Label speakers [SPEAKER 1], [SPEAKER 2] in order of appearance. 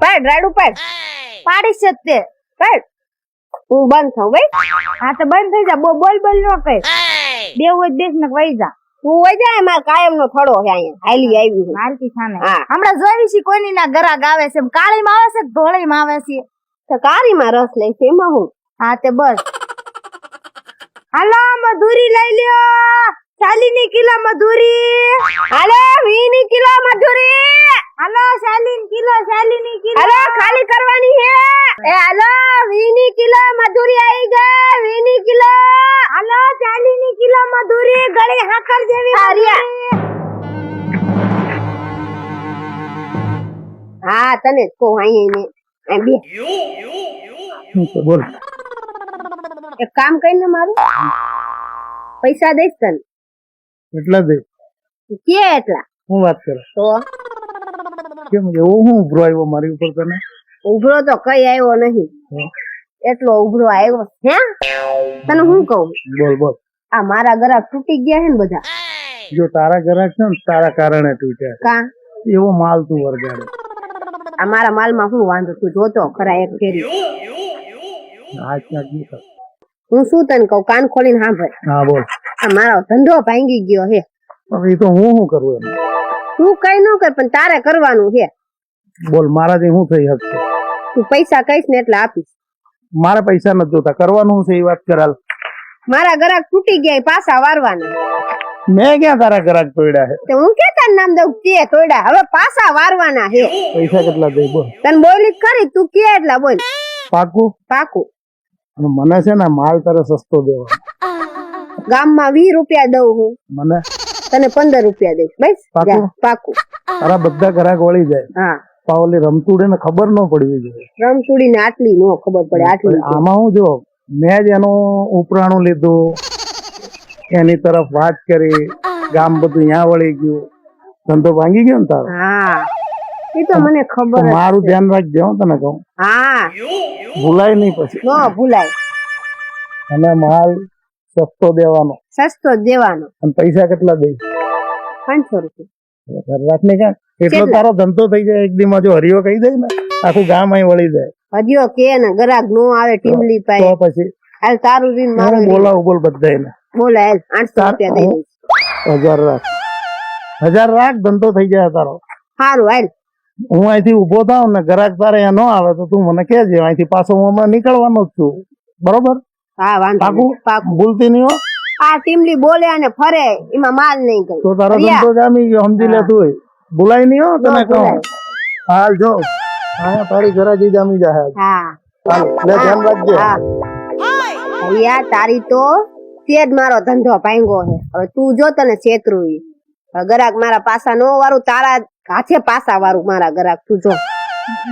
[SPEAKER 1] રાડ ઉપર પાડી છે તે કાઢ હું બંધ થાઉં ભાઈ હા તો બંધ થઈ જા બોલ નો કર દેવ હોય દેશ ને વઈ જા તું વઈ જા માર કાયમ નો થોડો છે અહીંયા હાલી આવી છે મારતી થાને હમણાં જોઈ છે કોઈની ના ગરાગ આવે છે કાળી માં આવે છે ધોળી માં આવે છે તો કાળી માં રસ લે છે એમાં હું હા તે બસ હાલો મધુરી લઈ લ્યો 40 કિલો મધુરી હાલો 20 કિલો મધુરી હાલો 40 કિલો હાલો ખાલી કરવાની છે એ હાલો 20 કિલો મધુરી આવી ગઈ 20 કિલો હાલો 40 કિલો મધુરી ગળી હાકર જેવી હા તને જ કહું અહીંયા બે
[SPEAKER 2] બોલ
[SPEAKER 1] એક કામ કરીને મારું પૈસા દઈશ તને
[SPEAKER 2] એટલા દે
[SPEAKER 1] કે એટલા
[SPEAKER 2] હું વાત કરે
[SPEAKER 1] તો
[SPEAKER 2] કેમ એવો હું ઉભરો આવ્યો મારી ઉપર તને
[SPEAKER 1] ઉભરો તો કઈ આવ્યો નહીં એટલો ઉભરો આવ્યો હે તને હું કહું
[SPEAKER 2] બોલ
[SPEAKER 1] આ મારા ગરાક તૂટી ગયા છે ને બધા
[SPEAKER 2] જો તારા ગરાક છે ને તારા કારણે તૂટ્યા
[SPEAKER 1] કા
[SPEAKER 2] એવો માલ તું વરગાડે
[SPEAKER 1] આ મારા માલમાં શું વાંધો તું જોતો ખરા એક ફેરી હું શું તને કહું કાન ખોલીને સાંભળ
[SPEAKER 2] હા બોલ
[SPEAKER 1] આ મારો ધંધો ભાંગી ગયો હે
[SPEAKER 2] હવે તો હું શું કરું એમ
[SPEAKER 1] તું કઈ ન કર પણ તારે કરવાનું છે
[SPEAKER 2] બોલ મારાથી શું થઈ શકશે
[SPEAKER 1] તું પૈસા કહીશ ને એટલે આપીશ
[SPEAKER 2] મારા પૈસા નથી જોતા કરવાનું છે એ વાત કરાલ
[SPEAKER 1] મારા ગરાક તૂટી ગયા પાછા વારવાના
[SPEAKER 2] મેં ક્યાં તારા ગરાક તોડ્યા છે
[SPEAKER 1] તે હું કે તારું નામ દઉં તે તોડ્યા હવે પાછા વારવાના છે
[SPEAKER 2] પૈસા કેટલા દઈ બોલ
[SPEAKER 1] તને બોલી ખરી તું કે એટલા બોલ
[SPEAKER 2] પાકું અને મને છે ને માલ તારે સસ્તો દેવા
[SPEAKER 1] ગામમાં 20 રૂપિયા દઉં હું
[SPEAKER 2] મને
[SPEAKER 1] તને 15 રૂપિયા દઈશ બસ પાકું
[SPEAKER 2] તારા બધા ગ્રાહક વળી જાય
[SPEAKER 1] હા
[SPEAKER 2] પાવલી રમતુડે ને ખબર ન પડવી જોઈએ
[SPEAKER 1] રમતુડી ને આટલી નો ખબર પડે આટલી
[SPEAKER 2] આમાં હું જો મેં જ એનું ઉપરાણું લીધું એની તરફ વાત કરી ગામ બધું ત્યાં વળી ગયું ધંધો ભાંગી ગયો ને તારો
[SPEAKER 1] હા એ તો મને ખબર
[SPEAKER 2] મારું ધ્યાન રાખજે હું તને કહું
[SPEAKER 1] હા
[SPEAKER 2] ભૂલાય નહીં પછી
[SPEAKER 1] નો ભૂલાય
[SPEAKER 2] અને માલ સસ્તો દેવાનો અને પૈસા કેટલા દઈશ
[SPEAKER 1] 500 રૂપિયા
[SPEAKER 2] રાખને ક્યાં એટલો તારો ધંધો થઈ જાય એક દીમાં જો હરિયો કહી દે ને આખું ગામ અહીં વળી જાય
[SPEAKER 1] હરિયો કે ને ગરાક નો આવે ટીમલી પાસે
[SPEAKER 2] તો પછી
[SPEAKER 1] હાલ તારું રીન મારું
[SPEAKER 2] બોલાવું બોલ બધાને
[SPEAKER 1] બોલે હાલ 800 રૂપિયા દઈ દઈશ
[SPEAKER 2] 1000 રાખ ધંધો થઈ જાય તારો
[SPEAKER 1] સારું હાલ
[SPEAKER 2] હું અહીંથી ઉભો થાવ ને ગરાક તારે અહીંયા ન આવે તો તું મને કહેજે અહીંથી પાછો હું હમણાં નીકળવાનો જ છું બરોબર
[SPEAKER 1] હા વાંધો
[SPEAKER 2] પાકું ભૂલતી નહીં હો
[SPEAKER 1] આ ટીમલી બોલે અને ફરે એમાં માલ નહીં ગયો
[SPEAKER 2] તો તારો ધંધો જામી ગયો સમજી લે તું ભૂલાય નહીં હો તને કહું હાલ જો હા તારી ગરાજી જામી જાય
[SPEAKER 1] હા
[SPEAKER 2] હાલ લે ધ્યાન રાખજે
[SPEAKER 1] યાર તારી તો તેજ મારો ધંધો ભાંગ્યો છે હવે તું જો તને છેતરું ગરાક મારા પાસા નો વારું તારા હાથે પાસા વાળું મારા ગરાક તું જો